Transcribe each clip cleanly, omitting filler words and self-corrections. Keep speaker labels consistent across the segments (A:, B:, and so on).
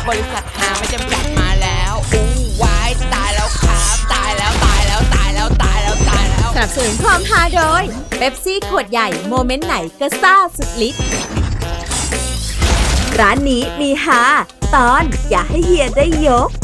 A: บริษัทหาไม่จำกัดมาแล้วอู้วายตายแล้วครับตายแล้วตายแล้วตายแล้วตายแล้วตายแล้ว
B: สนับสนุนความฮาโดยเป๊ปซี่ขวดใหญ่โมเมนต์ไหนก็ซ่าสุดฤทธิ์ร้านนี้มีฮาตอนอย่าให้เฮียได้ยก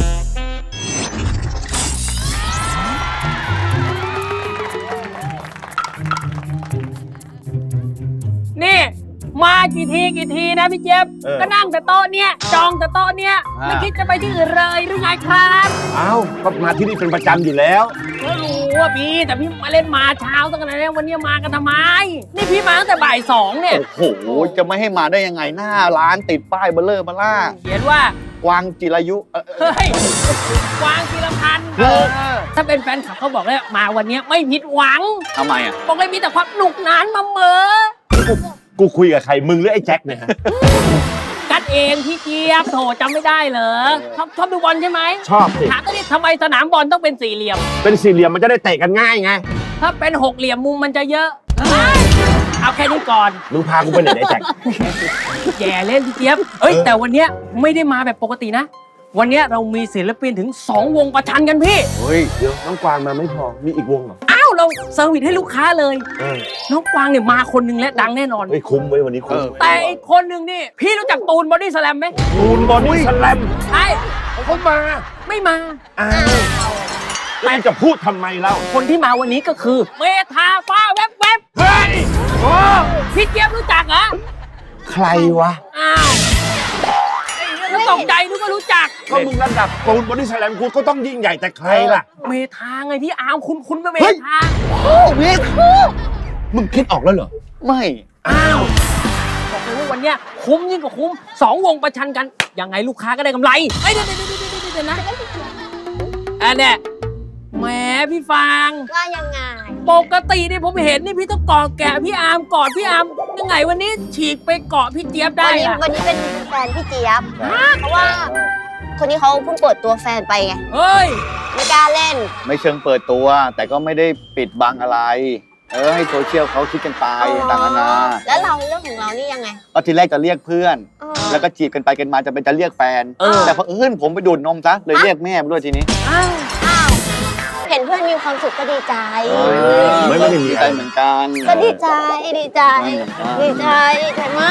C: นี่มากี่ทีนะพี่เจี๊ยบก็นั่งแต่โต๊ะเนี้ยจองแต่โต๊ะเนี้ยไม่คิดจะไปที่อื่นเลยหรือไงครับ
D: อ้าวก็มาที่นี่เป็นประจำอยู่แล้ว
C: ก็รู้ว่าพี่แต่พี่มาเล่นมาเช้าตั้งแต่ไหนวันนี้มากันทำไมนี่พี่มาตั้งแต่บ่าย2เนี่ย
E: โอ้โหจะไม่ให้มาได้ยังไงหน้าร้านติดป้ายเบลเลอร์มาล่า
C: เขียนว่าก
E: วางจิรายุ
C: เฮ้ยวางกีรพันธ์ถ้าเป็นแฟนคลับเขาบอกเลยมาวันนี้ไม่ผิดหวัง
E: ทำไมอ่ะ
C: บอกเลยมีแต่ความหนุกหนานมาเหมอ
D: กูคุยกับใครมึงหรือไอ้แจ็คเนี่ยฮะ
C: กัดเองพี่เจี๊ยบโถจำไม่ได้เหรอชอบดูบอลใช่ไหม
D: ชอบสิ
C: ถามก็ดิทำไมสนามบอลต้องเป็นสี่เหลี่ยม
D: เป็นสี่เหลี่ยมมันจะได้เตะกันง่ายไง
C: ถ้าเป็นหกเหลี่ยมมุมมันจะเยอะ เอาแค่นี้ก่อน
D: มึงพากูไปไหนไอ้แจ็ค
C: แย่เล่นพี่เจี๊ยบแต่วันเนี้ยไม่ได้มาแบบปกตินะ วันเนี้ยเรามีศิลปินถึง2วงประชันกันพี่
D: เฮ้ยเดี๋ยวน้องกวางมาไม่พอมีอีกวงเหรอ
C: อ้าวเราเซอร์วิสให้ลูกค้าเลย
D: เออ
C: น้องกวางเนี่ยมาคนหนึงและดังแน่นอน
D: เฮ้ยคุ้มไว้ยวันนี้คุ้ม
C: แต่อีกคนหนึ่งนี่พี่รู้จักตูนบอดี้สแลมไหม
D: ปูนบอดี้สแลม
C: ใช่
D: เขามา
C: ไม่มา
D: อ้าวแล้วมึงจะพูดทำไมเล่า
C: คนที่มาวันนี้ก็คือเมธาฟ้าแวบ
D: เฮ้ยโอ้
C: ๆพี่เจี๊ยบรู้จักเหรอ
D: ใครวะ
C: อ้าวแล้วตกใจนึกว่ารู้จัก
D: ก็มึงระดับปูนบอดี้สแลมกูก็ต้องยิ่งใหญ่แต่ใครล่ะ
C: เมธาไงพี่อาร์มคุณเป็นเม
D: เฮ้ย
C: ธา
E: โอ้เมฆ
D: มึงคิดออกแล้วเหรอ
E: ไม่
C: อ้าวบอกเลยว่าวันเนี้ยคุ้มยิ่งกว่าคุ้ม2วงประชันกันยังไงลูกค้าก็ได้กำไรเดี๋ยวนะอันเนี้ยแหมพี่ฟาง
F: ว่ายังไง
C: ปกตินี่ผมเห็นนี่พี่ต้องกอดแกะพี่อาร์มกอดพี่อาร์มยังไงวันนี้ฉีกไปเกาะพี่เจี๊ยบได้
F: วันนี้
C: อะ
F: เป็นแฟนพี่เจี๊ยบ เพราะว่า คนนี้เขาเพิ่งเปิดตัวแฟนไปไง
C: เฮ้ย
F: ไม่กล้าเล่น
E: ไม่เชิงเปิดตัว แต่ก็ไม่ได้ปิดบังอะไร ให้โซเชียลเขาคิดกันไปต่างๆนานา
F: แล้วเราเรื่องของเรานี่ยังไง
E: ก็ทีแรกจะเรียกเพื่อน
F: เออ
E: แล้วก็จีบกันไปกันมาจะเป็นจะเรียกแฟน แต่พอผมไปดูดนมซะเลยเรียกแม่มาด้วยทีนี้
C: อ้าว
F: อ้าว เห็นเพื่อนมีความสุขก็ดีใจ
D: ไม่ได้มี
E: ดี
D: อะ
E: ใจ
D: ไร
E: เหมือนกัน
F: ก็ดีใจ ดีใจ ดีใจ ดีใจมาก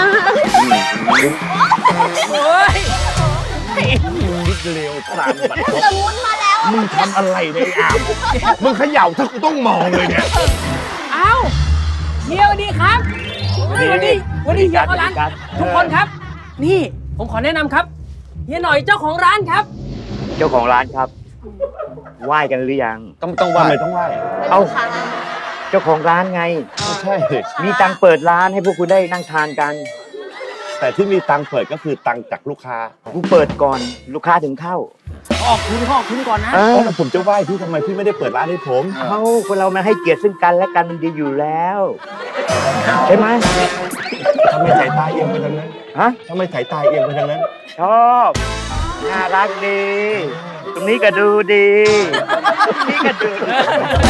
C: เฮ้ย
D: คิดเร็วตามบัตร
F: สมุนมาแล้ว
D: มึงทำอะไรเนี่ยไอ้อามมึงเขย่าถ้ากูต้องมองเลยเนี่ย
C: เอ้าเฮียสวัสดีครับเฮ้ยวันนี้เฮียเข้าร้านทุกคนครับ นี่ผมขอแนะนำครับเฮียหน่อยเจ้าของร้านครับ
G: เจ้าของร้านครับไหว้กันหรือยัง
E: ต้องว่า
D: ทำไมต้องไหว้
G: เอ้า เจ้าของร้านไง
D: ไม่ใช่
G: มีตังค์เปิดร้านให้พวกคุณได้นั่งทานกัน
D: แต่ที่มีตังค์เปิดก็คือตังค์จากลูกค้า
G: กูเปิดก่อนลูกค้าถึงเข้า
C: ออกทุนก่อนนะ
G: เออ
D: แล้วผมจะไหว้พี่ทำไมพี่ไม่ได้เปิดร้านให้ผม
G: เขาคนเรามันให้เกียรติซึ่งกันและกันมันดีอยู่แล้วใช่ไหม
D: ทำไมสายตาเอียงไปทางนั้น
G: ฮะ
D: ทำไมสายตาเอียงไปทางนั้น
G: ชอบน่ารักดี ตรงนี้ก็ดูดีตรงนี้ก็ดูดี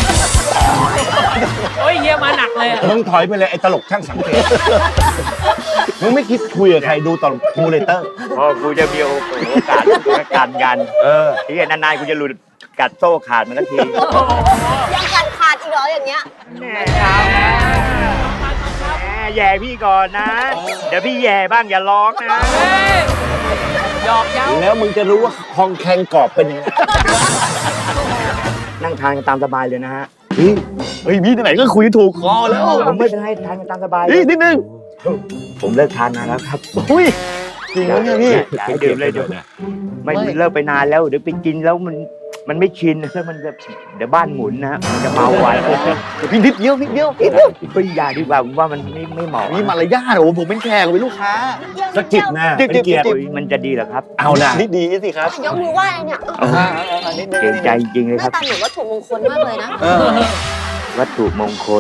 C: โอ้ยเฮียมาหนักเลยอะ
D: มึงถอยไปเลยไอ้ตลกช่างสังเกต มึงไม่คิดคุยกับใครดูตลกมูเลเตอร์
G: พอกูจะมีโอกาสการกัน
D: เออ
G: ที่นานๆกูจะหลุดกัดโซ่ขาดมันสักที
F: ยังกัดขาดอีกเหรออย่างเงี้ย
G: แม่ครับแม่แย่พี่ก่อนนะ เดี๋ยวพี่แย่บ้างอย่าร้องนะ
C: เฮ้ยหยอกเย้า
D: แล้วมึงจะรู้ว่าคองแคงกรอบเป็นยังไง
G: นั่งทานกันตามสบายเลยนะฮะ
E: เฮ้ยพี่ที่ไหนก็คุยถูกคอแล้ว
G: ผมไม่เป็นไรทานกันตามสบายเล
E: นี่
G: ย
E: นิดนึง
G: ผมเลิกทานนานแล้วครับ
E: อุ้ยจริงไหมเนี่ยพี่
G: อย่าให้ดื่มเลยเดี๋ยวไม่เลิกไปนานแล้วเดี๋ยวไปกินแล้วมันไม่ชินแล้วมันจะเดี๋ยวบ้านหมุนนะฮะมันจะเมาไว
E: พี่นิดเดียว
G: ก็อย่าดีกว่าผมว่ามันไม่เหมาะ
E: มีมารยาทโอ้โหผมเป็นแขกผมเป็นลูกค้า
D: สะกิดหน้าเป็นเกียรติ
G: โอ้ยมันจะดีเหรอครับ
D: เอานะ
E: นิดดีสิครับ
F: ยกมือไหว้เนี่ย
E: นิดนึง
G: เกรงใจจริงๆเลย
F: ห
G: ค
F: น้า
G: รับ
F: ตาเหมือนวัตถุมงคลมากเลยนะ
G: วัตถุมงคล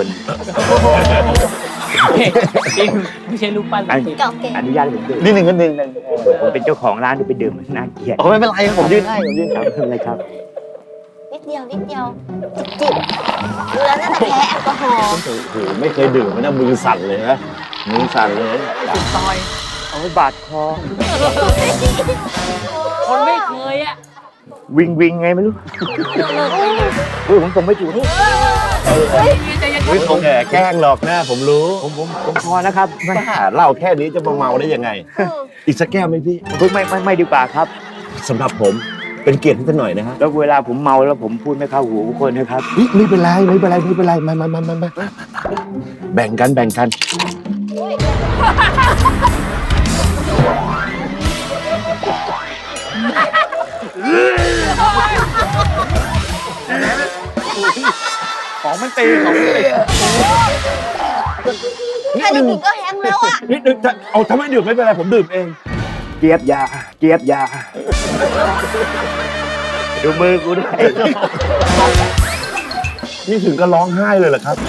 C: จริงไม่ใช่ลูกปั้น
G: อัน
F: เก่าเก่ง
G: อนุญาตให้ผมดื่ม
E: นิดนึงนิดนึง
G: ผมเป็นเจ้าของร้านไปดื่มมันน่าเกลียด
E: โอ้ไม่เป็นไรผมยืนให้ผมยืน
G: ครับไม่เป็นไรครับ
F: นิดเดียว จิบดูแล้วน่าจะแพ้แอลกอฮอล์
D: โอ้โหไม่เคยดื่มมันนะมือสั่นเลยนะมือสั่นเลย
C: ซอย
G: เอาไว้บาดคอ
C: คนไม่เคยอ่ะ
G: วิงวิงไงไม่รู้ผมส่งไม่ถูก
D: ไม่คงแกล้งหรอกหน้าผมรู้
G: ผมพอนะครับ
D: บ้าเหล้าแค่นี้จะมาเมาได้ยังไง อีกสักแก้วไหมพี่
G: ไม่ดีกว่าครับ
D: สำหรับผมเป็นเกียรติให้ท่านหน่อยนะฮะ
G: แล้วเวลาผมเมาแล้วผมพูดไม่เข้าหูทุกคนนะครับ
D: ไม่เป็นไรมาแบ่งกัน
E: ของมันตีของมันตี
F: แค่ได้กลิ่นก็แห้งแล้วอ่ะ
D: นิดนึงเอาทำไมดื่มไม่เป็นไรผมดื่มเอง
G: เจี๊ยบยาดูมือกูด้วย
D: นี่ถึงก็ร้องไห้เลยเหรอครับ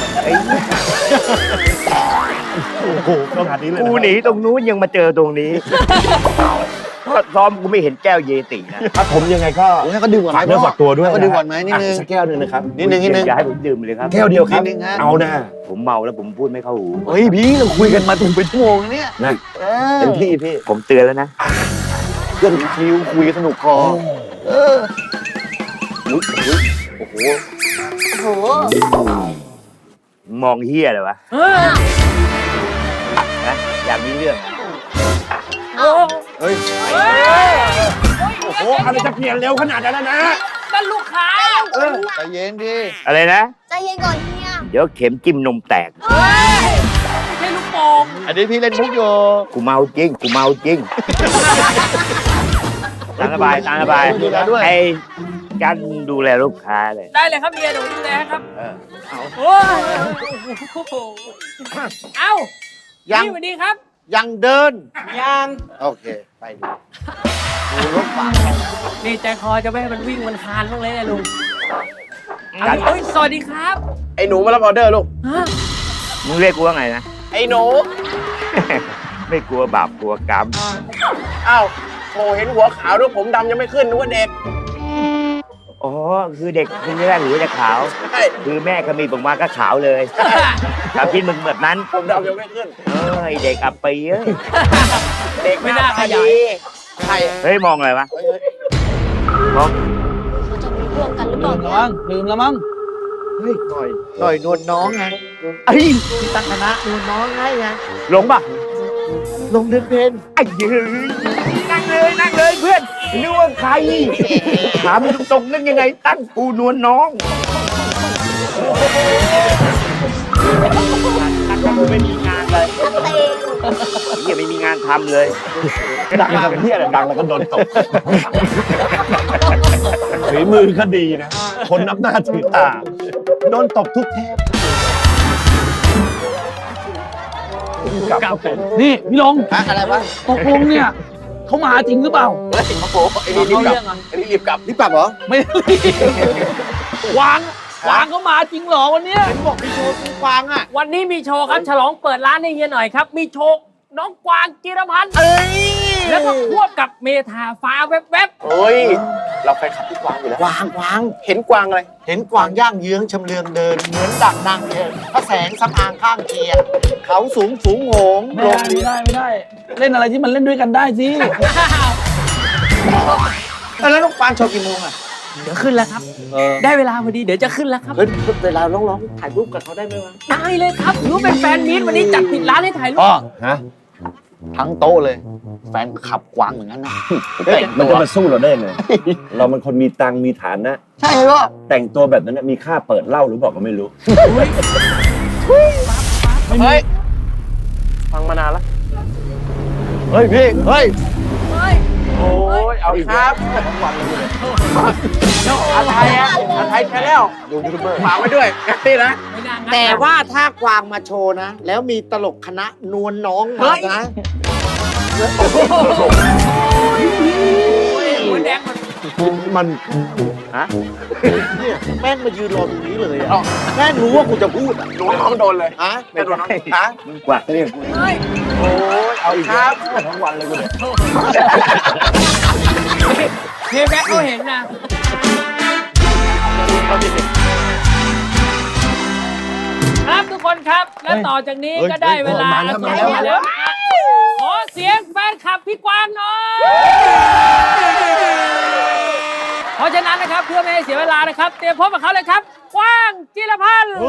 D: โอ้โหขนาดนี้เลย
G: กูหนีตรงนู้นยังมาเจอตรงนี้ซ้อมกูไม่เห็นแก้วเยตินะ
D: ถ้าผมยังไงก็
E: ให้เขาดื่มก่อนไหม
D: ฝากเนื้อฝากตัวด้วย
E: ให้เขาดื่มก่อนไหมนิดนึง
D: สักแก้วนึงนะครับ
E: นิดนึง
G: อย่าให้ผมดื่มเลยครับ
D: แก้วเดียวครับ
E: นิดนึงฮะ
D: เอานะ
G: ผมเมาแล้วผมพูดไม่เข้าหู
E: เฮ้ยพี่เราคุยกันมาถึงเป็นชั่วโมงแล้วเนี่ย
D: นะ
E: เออ
D: เต็มที่พี่
G: ผมเตือนแล้วนะ
E: เรื่องคิวคุยกันสนุกคอเออโอ้โห
F: โอ้โห
G: มองเฮียเลยวะ
C: เออ
G: นะอยากมีเรื่อง
C: โอ้
E: เฮ้ย
D: โอ้โหอะไรจะเปลี่ยนเร็วขนาดนั้นนะ
C: นั่นลูกค้า
E: ใจเย็นดิ
G: อะไรนะ
F: ใจเย็นก่อนเฮีย
G: เดี๋ยวเข็มจิ้มนมแตก
C: เฮ้ยไม่ใช่ลูกโป่ง
E: อันนี้พี่เล่นมุกอยู่
G: กูเมาจริงตามสบาย
E: ดูแลด้วย
G: ไอ้กันดูแลลูกค้าเลย
C: ได้เลยครับเมียเดี๋ยวดูแลให้ครับ
E: เอา
C: โอ้ยเอ้า
E: ยัง
C: พี่สวัสดีครับ
E: ยังเดิน
C: ยัง
E: โอเค ไปดูรถฝาก
C: นี่ใจคอจะไม่ให้มันวิ่งมันคานบ้างเลยนะลุง
G: ครับ
C: เฮ้ยสวัสดีครับ
H: ไอ้หนูมารับออเดอร์ลูก
C: ฮะ
G: มึงเรียกกูว่าไงนะ
H: ไอ้หนู
G: ไม่กลัวบาปกลัวกรรม
H: อ้าวโหเห็นหัวขาวด้วยผมดำยังไม่ขึ้นนึกว่าเด็ก
G: อ๋อคือเด็กคือไม่ได้หรือว่าจะขาว
H: ใช่
G: คือแม่ขมีผมมาก็ขาวเลยถ้าคิดมึงแบบนั้น
H: ผมดำยังไม่ขึ้น
G: ไอเด็กอับปีเอ้ย
H: เด็ก
C: ไม่น่าข
H: ต
C: ยาย
H: ดีใคร
G: เฮ้ยมองอะไรวะ
H: เฮ้ย
G: มอง
F: เขาจะมีเรื่องกันหรือเปล่าเนี่ย
C: ลืมแล้วมั้ง
E: เฮ้ยหน่อยนวลน้องไง
G: ไอ้ย
E: พี่ตั้งคณะนวลน้องให้ไง
G: หลงปะ
E: ลงเดินเพน
G: ไอ้ยืนนั่งเลยเพื่อนนึกว่าใครถามมึงตรงๆนั่นยังไงตั้งกูนวลน้องตั้งกูไม่มีงานเลย
F: เตง
G: เฮียไม่มีงานทำเลย
D: ดังกับเฮียดังแล้วก็โดนตกฝีมือก็ดีนะ คนนับหน้าถือตาโดนตบทุกเทปกลับผม
C: นี่พี่ลง
E: ฮะอะไรวะ
C: ตกลงเนี่ยเขามาจริงหรือเปล่า
E: เฮ้ยโอ้โหไอ้นี่รีบกลับไอ้นี่รีบกลับเหรอ
C: ไม่รีบวางเขามาจริงเหรอวันเนี้ย
E: เห็นบอกมีโชว์กูฟังอ่ะ
C: วันนี้มีโชว์ครับฉลองเปิดร้านให้เฮียหน่อยครับ มีโชว์น้องกวางจิรพันธ์
E: เอ้ย
C: แล้วก็ควบกับเมธาฟ้าแวบ
H: เฮ้ย เราแฟนคลับพี่กวางอยู่แล้ว
E: กวาง
H: เห็นกวางอะไร
E: เห็นกวางย่างเยื้องชำเลืองเดิน เหมือนดั่งนางเอกพระแสงสำอางข้างเคียงเขาสูงโหง
I: ไม่
E: โร
I: ได้
E: งเรียน
I: ไม่ได้ เล่นอะไรที่มันเล่นด้วยกันได้สิ
E: แล้วน้องกวางโชว์กี่โมงอ่ะ
C: ๆเดี๋ยวขึ้นแล้วครับ ได้เวลาพอดีเดี๋ยวจะขึ้นแล้วครับ
E: เฮ้ยเวลาร้องถ่ายรูปกับเขาได้ไหมวะ
C: ได้เลยครับถือว่าเป็นแฟนมีตวันนี้จัดปิดร้านให้ถ่ายรูป
D: ฮะ
E: ทั้งโต๊ะเลย แฟนขับกวางเหมือนกันนะ
D: มันจะมาสู้เราได้ไงเรามันคนมีตังค์มีฐานะ
E: ใช่ปะ
D: แต่งตัวแบบนั้นมีค่าเปิดเหล้าหรือเปล่าก็ไม่รู้
H: เฮ้ย ฟังมานานแล้ว
E: เฮ้ยพี่เฮ้ย
H: โอ้ย เอาอีกครับอะไรอ่ะอะไรแค่แล้วฝากไว้ด้วยนี่นะ
C: ไม่น่างัด
E: แต่ว่าถ้ากวางมาโชว์นะ แล้วมีตลกคณะนวลน้องมานะ
C: หัวแดงมัน
D: มัน
E: เนี่ยแม่งมายืนรอตรงนี้เลยอ่ะแม่งรู้ว่ากูจะพูดอ่ะ
H: หนูน้องโดนเลย
E: ฮะ
H: ไม่โดนน้องฮะ
G: มึงกว่าเรียกกู
C: เฮ้ย
H: โอ้ย เอาอีกครับ
D: ทั้งวันเลยกูเนี่ย
C: เฮยแบ็คเขาเห็นนะครับทุกคนครับ และต่อจากนี้ก็ได้เวลา
D: มาแล้ว
C: ขอเสียงแฟนคลับพี่กวางหน่อยนะครับเพื่อไม่ให้เสียเวลานะครับเตรียมพบกับเขาเลยครับกว้างจิรพันธ์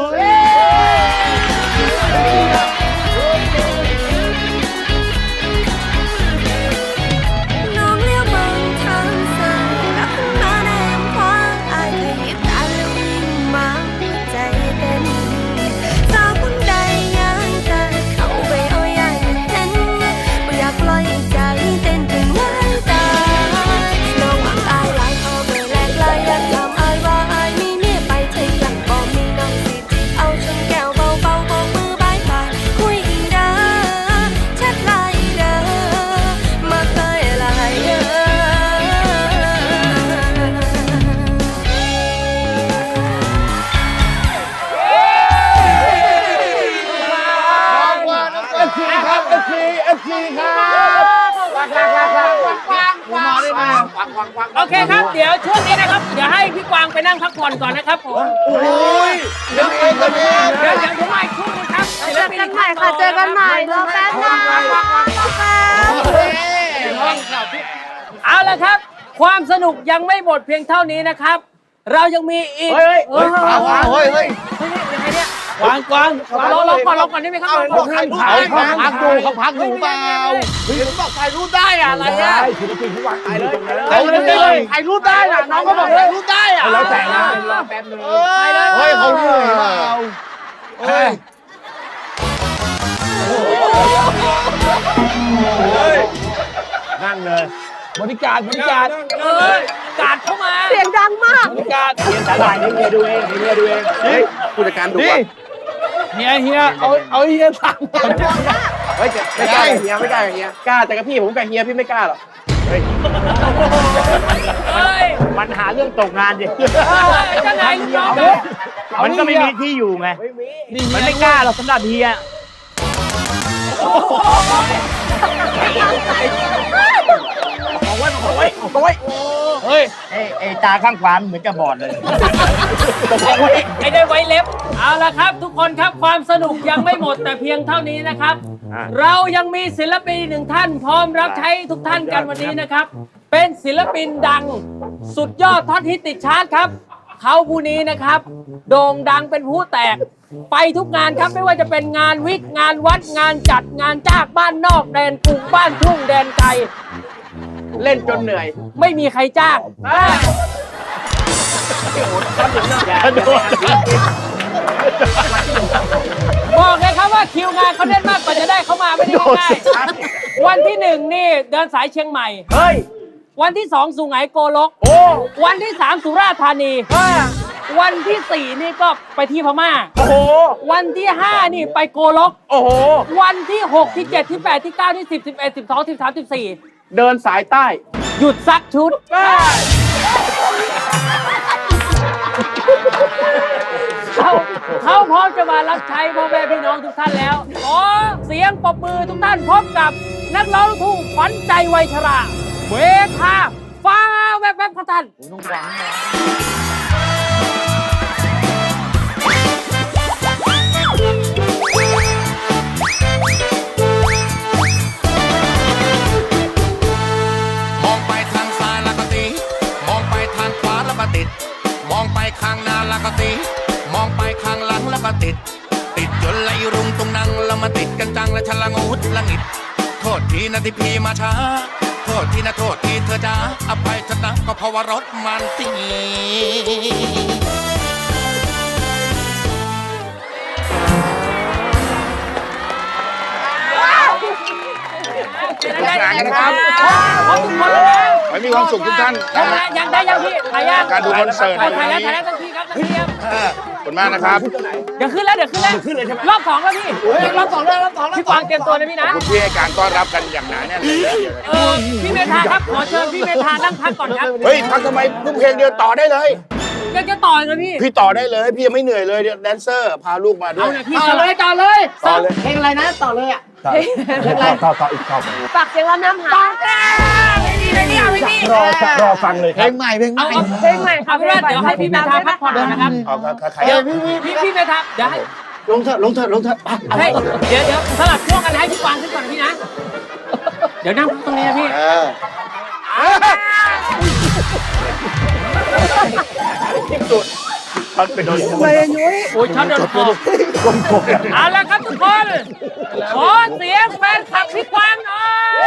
B: น้องเลี้ยวมองทางซ้ายกลับขึ้นมาในลำพังอายเคยหยิบตาแล้ววิ่งมาหัวใจเต้นสาวคนใดยังจะเข้าไปเอาอย่างเห็นไม่อยากปล่อยใจเต้นจนหายตายน้องหวังอายหลายเขาไม่แลกลายอยากทำอายว่าอายมีเมียไปเธออยากบอกมีน้องสิจีบเอาชนแก้วเบาๆโบกมือบายบายคุยอีกเด้อแชทไลน์เด้อมาเคยหลายเด้อ
C: โอเคครับเดี๋ยวช่วงนี้นะครับเดี๋ยวให้พี่กวางไปนั่งพักผ่อนก่อนนะครับผมเดี๋ยวผมมาอีกช่วงนึงครับเจอกันใหม่ค่ะเจอกันใหม่รอแป๊บนึงเอาละครับความสนุกยังไม่หมดเพียงเท่านี้นะครับ เรายังมีอีกยังไงเนี่ย
I: กวางกวาง
C: รอก่อนได้ไหมครับ
E: เขาพักอยู่เปล่าบอกถ่ายรูปได้อะอะไรอะถ่ายรูปได้น่ะน้องก็บอกถ่ายรูปได้อะ
D: แล้วแต่นะ
E: เฮ้ยเขาเหนื่อยเปล่าเฮ้ย
D: นั่งเลย
I: บริการ
C: กาดเข้ามา
B: เสียงดังมาก
I: บริการ
G: เฮียสาหร่ายนี่เฮียดูเองเฮียดูเอง
H: ผู้จัดการดู
I: นี่
H: ว่า
I: เฮียเอาเฮียสั่ง
H: เฮ้ยไม่กล้ากับเฮียไม่กล้ากับเฮียกล้าแต่กับพี่ผมกับเฮียพี่ไม่กล้าหรอก
C: เฮ้ย
G: มันหาเรื่องตกงานดิ
C: จะไงลูกน้อง
G: มันก็ไม่มีที่อยู่ไงมันไม่กล้าหรอกสำหรับเฮีย
I: เฮ้ย
G: ไอ้ตาข้างขวาเหมือนจะบอดเลย
C: ไอ้ได้ไว้เล็บเอาละครับ ทุกคนครับความสนุกยังไม่หมดแต่เพียงเท่านี้นะครับ เรายังมีศิลปินหนึ่งท่านพร้อมรับใช้ทุกท่านกันวันนี้นะครับ เป็นศิลปินดังสุดยอดท็อตฮิตติดชาร์ตครับเขาผู้นี้นะครับ โด่งดังเป็นผู้แตกไปทุกงานครับไม่ว่าจะเป็นงานวิกงานวัดงานจัดงานจ้างบ้านนอกแดนกรุงบ้านทุ่งแดนไกล
H: เล่นจนเหนื่อย
C: ไม่มีใครจ้างบอกเลยครับว่าคิวงานเขาแน่นมากกว่าจะได้เข้ามาไม่ได้ง่ายๆวันที่ 1นี่เดินสายเชียงใหม่เฮ้ยวันที่ 2สุไหงโกลกวันที่ 3สุราษฎร์ธานีวันที่ 4นี่ก็ไปที่พม่าวันที่ 5นี่ไปโกลกวันที่ 6 ที่ 7 ที่ 8 ที่ 9 ที่ 10 11 12 13 14
H: เดินสายใต้
C: หยุดซักชุดเขาพร้อมจะมารับใช้พ่อแม่พี่น้องทุกท่านแล้วขอเสียงปรบมือทุกท่านพร้อมกับนักร้องลูกทุ่งขวัญใจวัยชราเวทาฟ้าแวบๆครับท่าน
A: มองไปทางซ้ายแล้วก็ตีมองไปทางขวาแล้วก็ติดมองไปข้างหน้าแล้วก็ตีมองไปข้างหลังแล้วก็ติดจนไหลรุงตรงนั่งแล้วมาติดกันจังและฉลังอุดละงิดโทษทีนะที่พี่มาช้าโทษทีนะโทษทีเธอจ้าอภัยเถอะนะก็เพราะว่ารถมันติด
C: ครับขอบคุณคนแล้ว
D: ขอให้มีความสุขทุกท่าน
C: ยังได้ยังพี่ถ่ายยัง
D: การดูคอนเสิร์ต
C: ถ่ายแล้วทันทีครับทันทีครับ
D: ขอบคุณมากนะครับ
C: เดี๋ยวขึ้นแล้วรอบ2แล้วพี่รอบ2แล้วพี่กวางเตรียมตัวนะพี่นะ
D: ขอบคุณที่ให้การต้อนรับกันอย่างหนาแน่นเลย
C: พี่เมธาครับขอเชิญพี่เมธานั่งพักก่อนครับ
D: เฮ้ยพักทำไมเพิ่งเพลงเดียวต่อได้เลย
C: ยังจะต่อเลยพี่
D: พี่ต่อได้เลย พี่ยังไม่เหนื่อยเลยแดนเซอร์พาลูกมาด้ว
C: เอา
D: ย
C: เลยพี่
E: ต่อเลย
D: ต่อเลย
E: เพลงอะไรนะต่อเลยอ่ะ
D: ต่ออีกต่อ
B: ฝากเสียงรำน้ำหา
D: รอฟังเลย
E: เพ
D: ค
E: ล
D: รับ
E: งใหม่เพลงใหม่
B: เพลงใหม่ค่ะ
C: เอาเป็นว่าเดี๋ยวให้พี่เมธาพักผ่อนก่อนนะครับ
D: เอาใคร
C: เดี๋ยวพี่เมธาเดี๋ยวให้
E: ลงเถอะไป
C: เดี๋ยวสลับช่วงกันให้พี่กวางขึ้นก่อนนะพี่นะ เดี๋ยวนั่งตรงนี้นะพี่
D: ช็อตไปโดน
I: ทำไมอะยุ้ย
C: โอ้ยช็อตโดนคอเอาละครับทุกคน ขอเสียงแฟนคลับพี่กวางหน่อย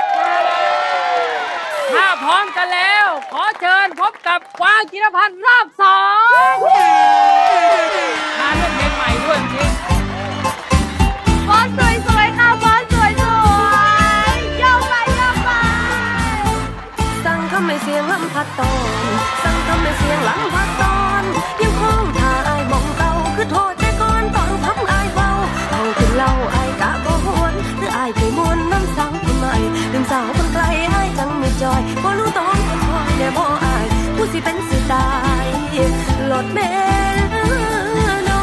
C: ถ้าพร้อมกันแล้ว ขอเชิญพบกับกวางจิรพันธ์รอบ2มาด้วยเพลงใหม่ด้วยจริง
B: บอสสวยๆค่ะบอสสวยๆโยกไปโยกไปสั่งทำให้เสียงลำพัดตอนสั่งทำให้เสียงลำพัดตอนยังคงท่าอายมองเก่าคือโทษแต่ก่อนตอนทำอายเบาเอาขึ้นเล่าอายกะบ่หวนหรืออายเคยมวนน้ำสาวคนใหม่ลืมสาวคนไกลอายจังไม่จอยบ่รู้ต้องคนคอยแน่บ่อายผู้สิเป็นสิตายหลดแม่น้อง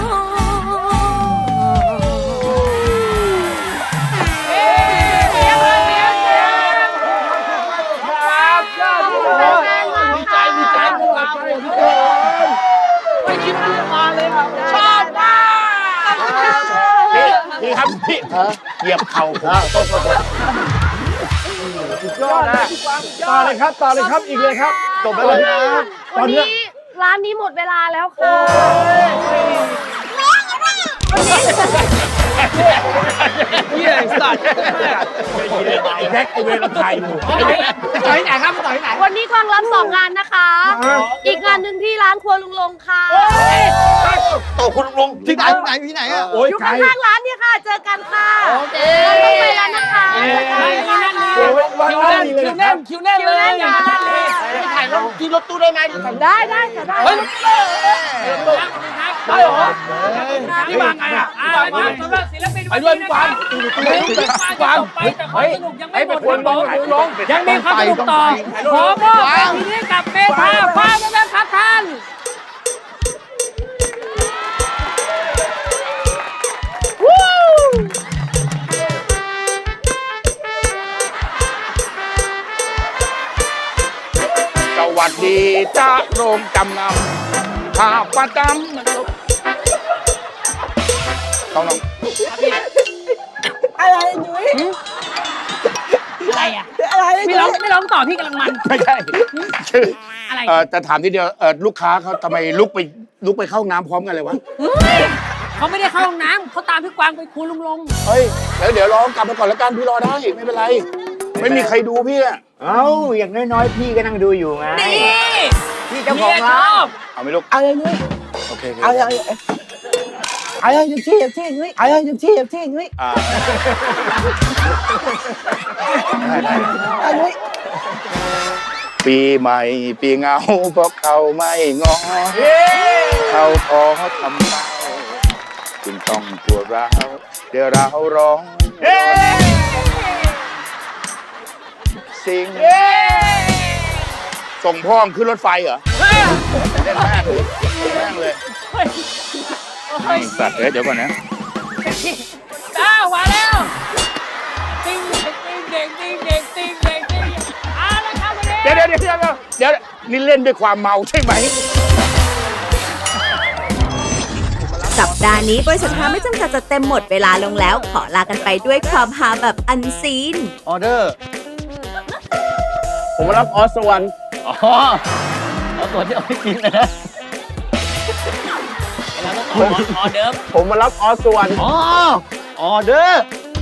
I: ดีใจพวกเราไม่คิดว่าจะมาเลยครับชอบมาก
D: พี่ครับพี่เหยียบเข่าผมสุดยอดนะต่อเลยครับต่อเลยครับอีกเลยครับจบแล้วเลยตอนนี้
B: ร้านนี้หมดเวลาแล้วค่ะ
I: เฮียไอ้สัตว์
D: ไอ้แท็กไอ้เวรเราถ่ายอยู่
E: ต่อยไหนครับต่อยไหน
B: วันนี้กวางรับ2 งานนะคะ อีกงานหนึ่งที่ร้านครัวลุงลงค่ะ
E: ต่อคุณลุงที่ไหนอ่ะ
D: โอ้ย
B: อยู่
D: ไกล
B: ข้างๆร้านเนี่ยค่ะ เจอกันค่ะต้องไปแล้วนะคะ
D: โอ้ยวันนั้น
I: คิวแน่นคิวแน่นเลย
E: ไม่ถ่ายรถที่รถตู้ได้ไหม
B: ได้ค่ะได้
I: เฮ้ยได้เหรอนี่มาไงอ่ะ
C: เอาละครับสำหรับศิลปิน
I: ไปด้วยพี่กวางกวาง
C: ไปแต่ความสนุกยังไม่หมดครับผมยังมีความสนุกต่อ ขอมอบเพลงนี้ให้กับเมธาฟ้าแม่ครับท่าน
H: สวัสดีจ้าโรงจำนำข้าประจำต้องน้อง
I: อะไรยุ้ย
C: อะไรอ่ะ
I: อะไร
C: ไม่ร้องต่อพี่กำลังมัน
H: ไม่ใช่คือ
C: อะไร
H: จะถามทีเดียวลูกค้าเขาทำไมลุกไปเข้าห้องน้ำพร้อมกันเลยวะ
C: เขาไม่ได้เข้าห้องน้ำเขาตามพี่กวางไปครูลุงลง
H: เฮ้ยแล้วเดี๋ยวรอกลับมาก่อนแล้วกันพี่รอได้ไม่เป็นไร ไม่มีใครดูพี่อะ
G: เอ้าอย่างน้อยๆพี่ก็นั่งดูอยู่ไง
C: นี่
G: พี่เจ้าของร้าน
H: เอาไหม่ลูก
I: อะไรยุ้ย
H: โอเค
I: อะไรอะไรยุ้ยที่ยุ้ยอะไรยุ้ยที่ยุ้ย
H: อ่า
I: อะไรยุ้ย
H: ปีใหม่ปีเงาเพราะเขาไม่งอเขาขอทำเมาจึงต้องปวดร้าวเดี๋ยวเราร้องสิงส่งพ่อมขึ้นรถไฟเหรอเล่นแม่งเลยสัตว์เดี๋ยวก่อนนะ
C: อ้าวมาแล้วติ้งเด็กติ้งเด็กติ้งเด็กติ้งเอาละครับวันนี้
H: เดี๋ยวนี่เล่นด้วยความเมาใช่ไหม
J: สัปดาห์นี้บริษัทฮาไม่จำกัดจะเต็มหมดเวลาลงแล้ว ขอลากันไปด้วยความฮาแบบอันซีน
I: ออเดอร์ ผมมารับออสวรรค์อ๋อเอาตัวที่เอาไปกินนะ
C: เราต้องออเดิร์ฟ
I: ผมมารับออสวรรค์อ๋อออเดอร์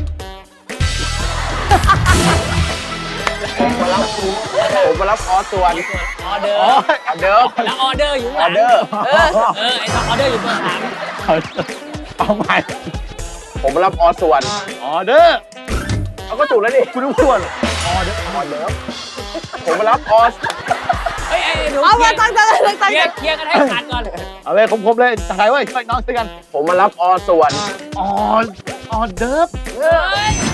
I: ผมมารับออสวรรค์
C: ออเดิร์
I: อ๋อ
C: ฟ
I: ออเดอร์
C: แล้วออเดอร์อยู่
I: อ
C: หลั
I: อง เดอร์
C: ไอ้ออเดอร์อยู่เบอร์
I: เอาใหม่ผมมารับออสวรรค์ออเดอร์เอาก็ถูกแล้วดิคุณต้องพูดออเดอร์ผมมารับออส
C: 3เฮ้ยไอ้หนู
B: เอา
C: เคลี
B: มาย ตั้งใจเลย
C: ร์กันให้ขาดก่อน
I: เอาเลยคมๆเลยถ่ายไว้ช่วยน้องด้วยกัน ผมมารับออสวรรค์ออเดอร์
C: เฮ้ย